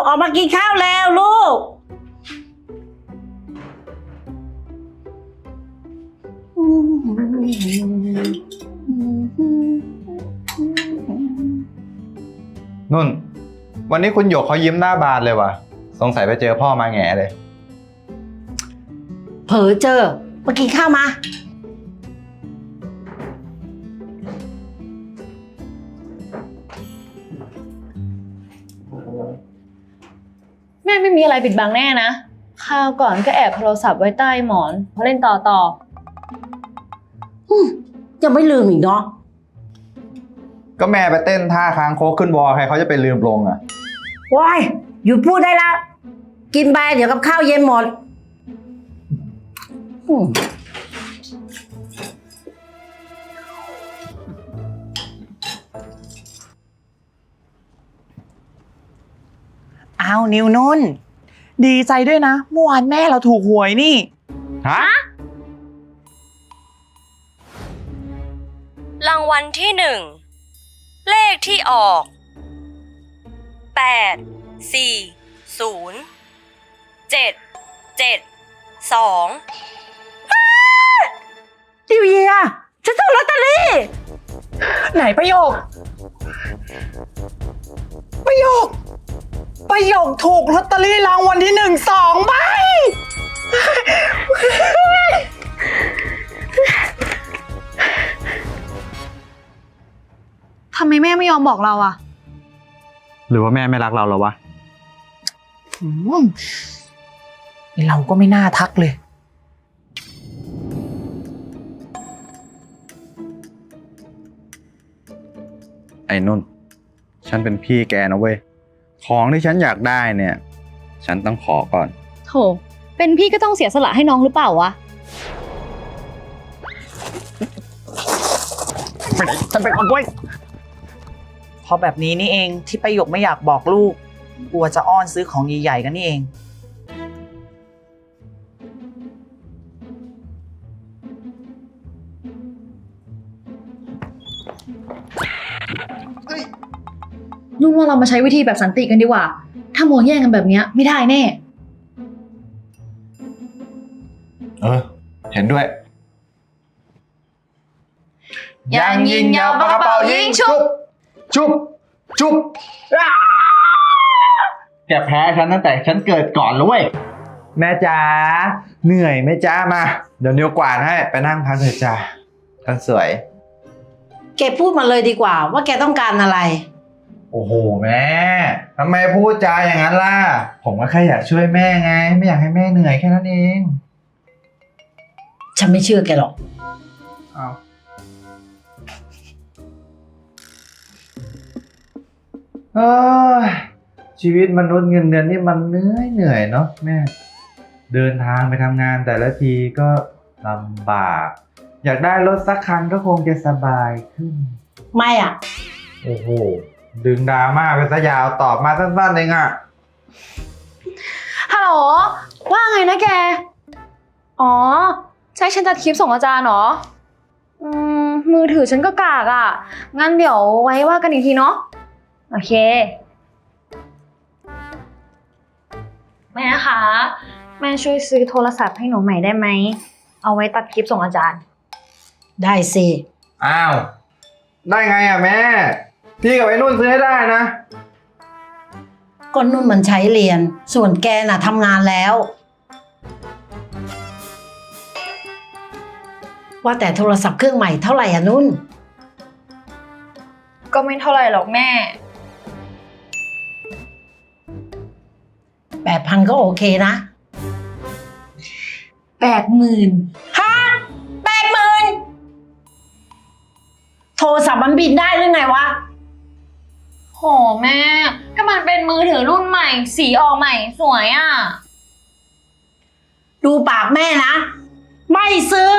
อกมากินข้าวแล้วลูกนุ่นวันนี้คุณหยกเขายิ้มหน้าบานเลยว่ะสงสัยไปเจอพ่อมาแง่เลยเผลอเจอมากินข้าวมาแม่ไม่มีอะไรปิดบังแน่นะข้าวก่อนก็แอบโทรศัพท์ไว้ใต้หมอนพอเล่นต่อยังไม่ลืมอีกเนาะก็แม่ไปเต้นท่าค้างโคกขึ้นวอใครเขาจะไปลืมลงอ่ะว้ายหยุดพูดได้ละกินไปเดี๋ยวกับข้าวเย็นหมดอ้าวนิวนุ่นดีใจด้วยนะเมื่อวานแม่เราถูกหวยนี่ฮะรางวัลที่1เลขที่ออก8 4 0 7 7 2 ดิวเยียฉันถูกลอตเตอรี่ไหนประโยคถูกลอตเตอรี่รางวัลที่1 2 ใบทำไมแม่ไม่ยอมบอกเราอะหรือว่าแม่ไม่รักเราหรอวะเราก็ไม่น่าทักเลยไอ้นุ่นฉันเป็นพี่แกนะเว้ยของที่ฉันอยากได้เนี่ยฉันต้องขอก่อนโถเป็นพี่ก็ต้องเสียสละให้น้องหรือเปล่าวะไปไหนฉันเป็นคนด้วยพอแบบนี้นี่เองที่ประโยคไม่อยากบอกลูกกลัวจะอ้อนซื้อของใหญ่ๆกันนี่เองนุ่นว่าเรามาใช้วิธีแบบสันติกันดีกว่าถ้ามัวแย่งกันแบบนี้ไม่ได้แน่เห็นด้วยยังยิงยาวปากกระเป๋ายิงชุบแกแพ้ฉันตั้งแต่ฉันเกิดก่อนแล้วเว้ยแม่จ๋าเหนื่อยไหมจ้ามาเดี๋ยวนิ้วกวาดให้ไปนั่งพักเถอะจ้าฉันสวยแกพูดมาเลยดีกว่าว่าแกต้องการอะไรโอ้โหแม่ทำไมพูดจาอย่างนั้นล่ะผมก็แค่อยากช่วยแม่ไงไม่อยากให้แม่เหนื่อยแค่นั้นเองฉันไม่เชื่อแกหรอกเอาชีวิตมนุษย์เงินเดือนนี่มันเหนื่อยเนาะแม่เดินทางไปทำงานแต่ละทีก็ลำบากอยากได้รถสักคันก็คงจะสบายขึ้นไม่อ่ะโอ้โหดึงดราม่าไปซะยาวตอบมาสั้นๆเองอ่ะฮัลโหลว่าไงนะแกอ๋อใช่ฉันจัดคลิปส่งอาจารย์เหรอมือถือฉันก็กากอ่ะงั้นเดี๋ยวไว้ว่ากันอีกทีเนาะโอเคแม่คะแม่ช่วยซื้อโทรศัพท์ให้หนูใหม่ได้ไหมเอาไว้ตัดคลิปส่งอาจารย์ได้สิอ้าวได้ไงอ่ะแม่พี่กับไอ้นุ่นซื้อให้ได้นะก็นุ่นมันใช้เรียนส่วนแกน่ะทำงานแล้วว่าแต่โทรศัพท์เครื่องใหม่เท่าไหร่อ่ะนุ่นก็ไม่เท่าไหร่หรอกแม่ 8,000ก็โอเคนะ 80,000 ฮะ80,000โทรศัพท์มันบินได้หรือไงวะโหแม่ก็มันเป็นมือถือรุ่นใหม่สีออกใหม่สวยอ่ะดูปากแม่นะไม่ซื้อ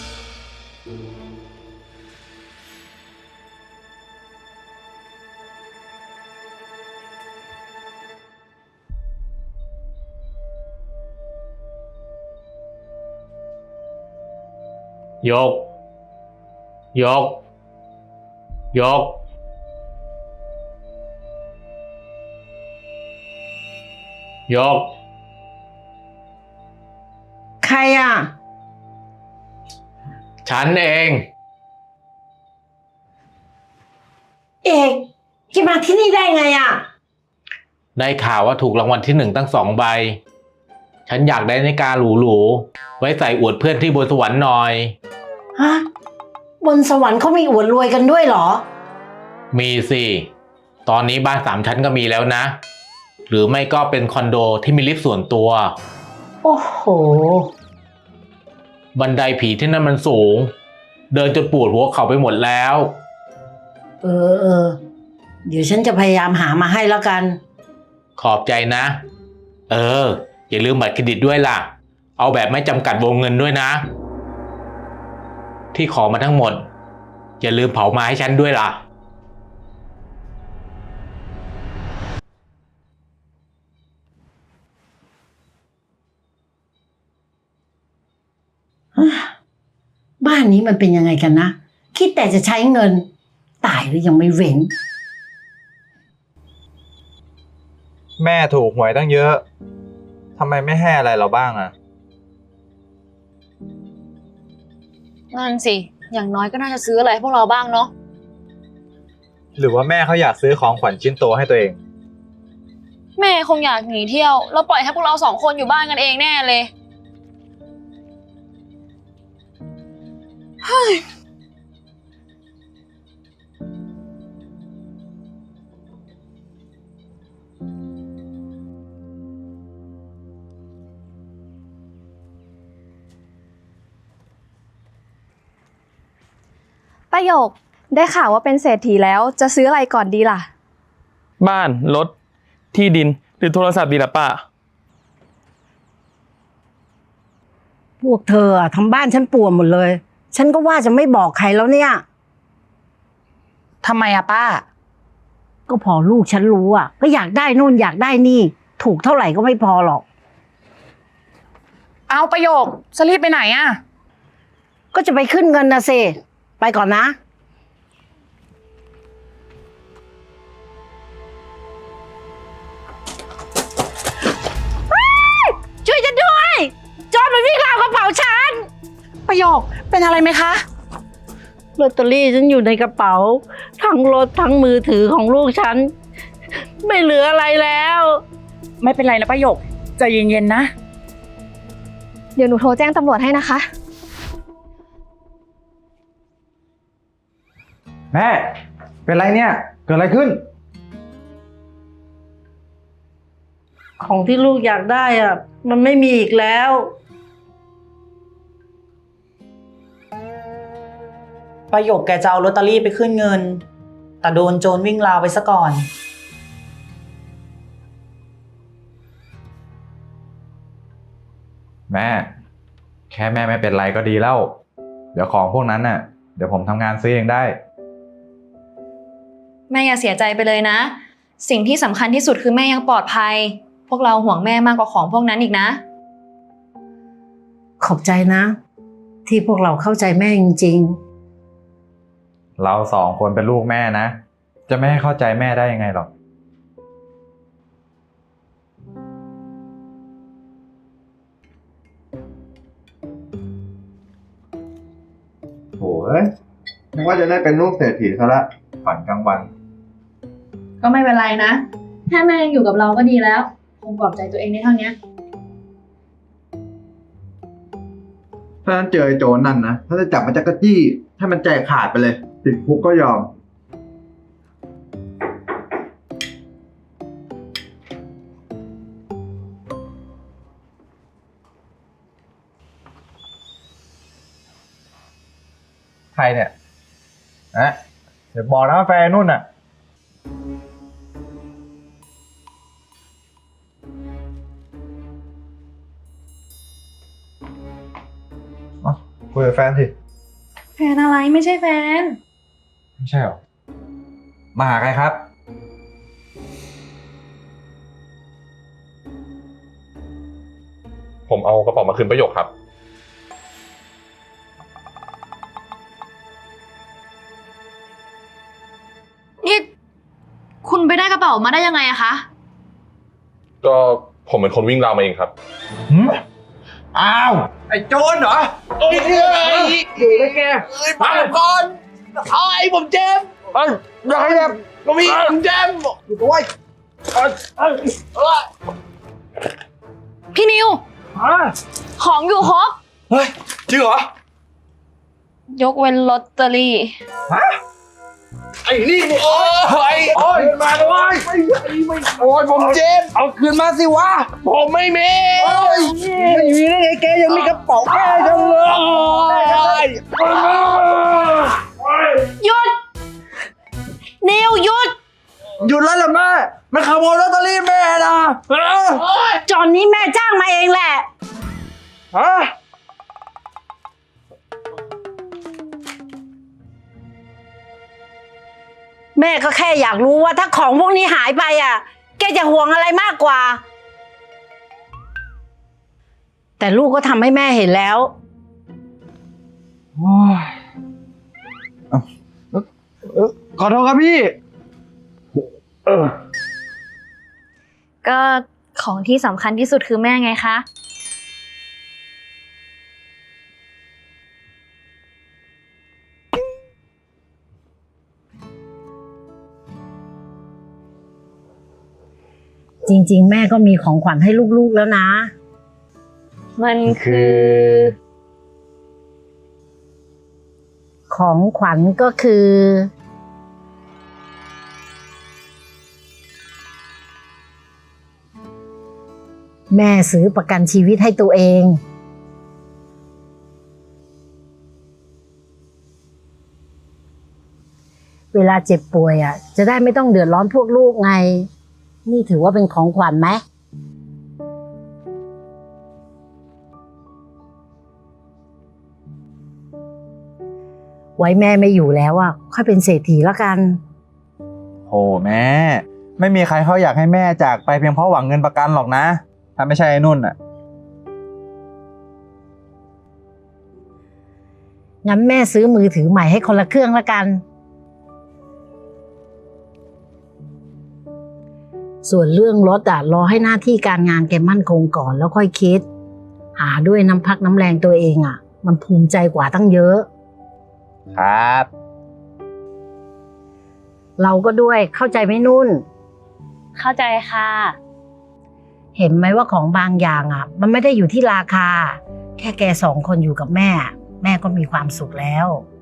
หยกยกใครอ่ะฉันเองเอกแกมาที่นี่ได้ไงอ่ะได้ข่าวว่าถูกรางวัลที่1ตั้ง2 ใบ ฉันอยากได้นาฬิกาหรูๆไว้ใส่อวดเพื่อนที่บนสวรรค์หน่อยฮะ บนสวรรค์เขามีอวดรวยกันด้วยเหรอมีสิ ตอนนี้บ้าน3 ชั้นก็มีแล้วนะ หรือไม่ก็เป็นคอนโดที่มีลิฟต์ส่วนตัวโอ้โหบันไดผีที่นั่นมันสูง เดินจนปวดหัวเข่าไปหมดแล้วเออ เดี๋ยวฉันจะพยายามหามาให้แล้วกันขอบใจนะ อย่าลืมบัตรเครดิตด้วยล่ะ เอาแบบไม่จำกัดวงเงินด้วยนะ ที่ขอมาทั้งหมด อย่าลืมเผามาให้ฉันด้วยล่ะบ้านนี้มันเป็นยังไงกันนะ คิดแต่จะใช้เงิน ตายหรือยังไม่เว้นแม่ถูกหวยตั้งเยอะทำไมไม่ให้อะไรเราบ้างอะนั่นสิ อย่างน้อยก็น่าจะซื้ออะไรให้พวกเราบ้างเนาะหรือว่าแม่เขาอยากซื้อของขวัญชิ้นโตให้ตัวเองแม่คงอยากหนีเที่ยวแล้วปล่อยให้พวกเรา2 คนอยู่บ้านกันเองแน่เลย ประโยค ได้ข่าวว่าเป็นเศรษฐีแล้วจะซื้ออะไรก่อนดีล่ะบ้าน รถ ที่ดิน หรือโทรศัพท์ดีล่ะป้าพวกเธออะทำบ้านฉันป่วนหมดเลย ฉันก็ว่าจะไม่บอกใครแล้วเนี่ยทำไมอะป้าก็พอลูกฉันรู้อ่ะ ก็อยากได้นู่นอยากได้นี่ ถูกเท่าไหร่ก็ไม่พอหรอกเอาประโยคจะรีบไปไหนอะก็จะไปขึ้นเงินนะเซไปก่อนนะ ช่วยฉันด้วย จอร์จมันวิ่งราวกระเป๋าฉันประโยคเป็นอะไรไหมคะลอตเตอรี่ฉันอยู่ในกระเป๋า ทั้งรถทั้งมือถือของลูกฉัน ไม่เหลืออะไรแล้วไม่เป็นไรนะประโยคใจเย็นๆนะเดี๋ยวหนูโทรแจ้งตำรวจให้นะคะแม่ เป็นไรเนี่ย เกิดอะไรขึ้นของที่ลูกอยากได้อ่ะ มันไม่มีอีกแล้วประโยคแกจะเอาลอตเตอรี่ไปขึ้นเงิน แต่โดนโจรวิ่งราวไปซะก่อนแม่ แค่แม่ไม่เป็นไรก็ดีแล้ว เดี๋ยวของพวกนั้นน่ะ เดี๋ยวผมทำงานซื้อเองได้แม่อย่าเสียใจไปเลยนะ สิ่งที่สำคัญที่สุดคือแม่ยังปลอดภัย พวกเราห่วงแม่มากกว่าของพวกนั้นอีกนะขอบใจนะ ที่พวกเราเข้าใจแม่จริงเรา2 คนเป็นลูกแม่นะ จะไม่ให้เข้าใจแม่ได้ยังไงหรอกโอ้ยนึกว่าจะได้เป็นลูกเศรษฐีซะละฝันกลางวันก็ไม่เป็นไรนะ แค่แม่ยังอยู่กับเราก็ดีแล้ว คงปลอบใจตัวเองได้เท่านี้ถ้านั้นเจอไอ้โจรนั่นนะ ถ้าจะจับมันจักรจี้ให้มันใจขาดไปเลย ติดคุกก็ยอม ใครเนี่ยอะเดี๋ยวบอกนะว่าแฟนนุ่นน่ะคุยกับแฟนสิแฟนอะไรไม่ใช่แฟนไม่ใช่หรอ มาหาใครครับผมเอากระเป๋ามาคืนประโยคครับนี่ คุณไปได้กระเป๋ามาได้ยังไงอะคะก็ผมเป็นคนวิ่งราวมาเองครับอ้าว ไอ้โจรเหรอนี่คืออะไรอยู่เลยแกมาก่อนเอาไอ้ผมเจมอย่าให้แบบก็มีผมเจมอยู่ด้วยพี่นิว ของอยู่ครบเฮ้ยจริงเหรอยกเว้นลอตเตอรี่ไอ้นี่โอ้ยมาเลยโอ้ยผมเจมเอาคืนมาสิวะผมไม่มีไม่มีได้ไงแกยังมีกระเป๋าแกจังเลยหยุด นิวหยุดหยุดแล้วล่ะแม่มันขโมยลอตเตอรี่แม่นะจอนนี้แม่จ้างมาเองแหละฮะแม่ก็แค่อยากรู้ว่าถ้าของพวกนี้หายไปอ่ะ แกจะห่วงอะไรมากกว่า แต่ลูกก็ทำให้แม่เห็นแล้วขอโทษครับพี่ก็ของที่สำคัญที่สุดคือแม่ไงคะจริงๆ แม่ก็มีของขวัญให้ลูกๆแล้วนะมันคือของขวัญก็คือ แม่ซื้อประกันชีวิตให้ตัวเอง เวลาเจ็บป่วยอ่ะ จะได้ไม่ต้องเดือดร้อนพวกลูกไง นี่ถือว่าเป็นของขวัญไหม ไว้แม่ไม่อยู่แล้วอ่ะ ค่อยเป็นเศรษฐีละกันโหแม่ ไม่มีใครเขาอยากให้แม่จากไปเพียงเพราะหวังเงินประกันหรอกนะ ถ้าไม่ใช่ไอ้นุ่นอ่ะงั้นแม่ซื้อมือถือใหม่ให้คนละเครื่องละกัน ส่วนเรื่องรถอ่ะรอให้หน้าที่การงานแกมั่นคงก่อนแล้วค่อยคิด หาด้วยน้ำพักน้ำแรงตัวเองอ่ะ มันภูมิใจกว่าตั้งเยอะครับเราก็ด้วยเข้าใจไหมนุ่นเข้าใจค่ะเห็นไหมว่าของบางอย่างอ่ะ มันไม่ได้อยู่ที่ราคา แค่แก2 คนอยู่กับแม่ แม่ก็มีความสุขแล้ว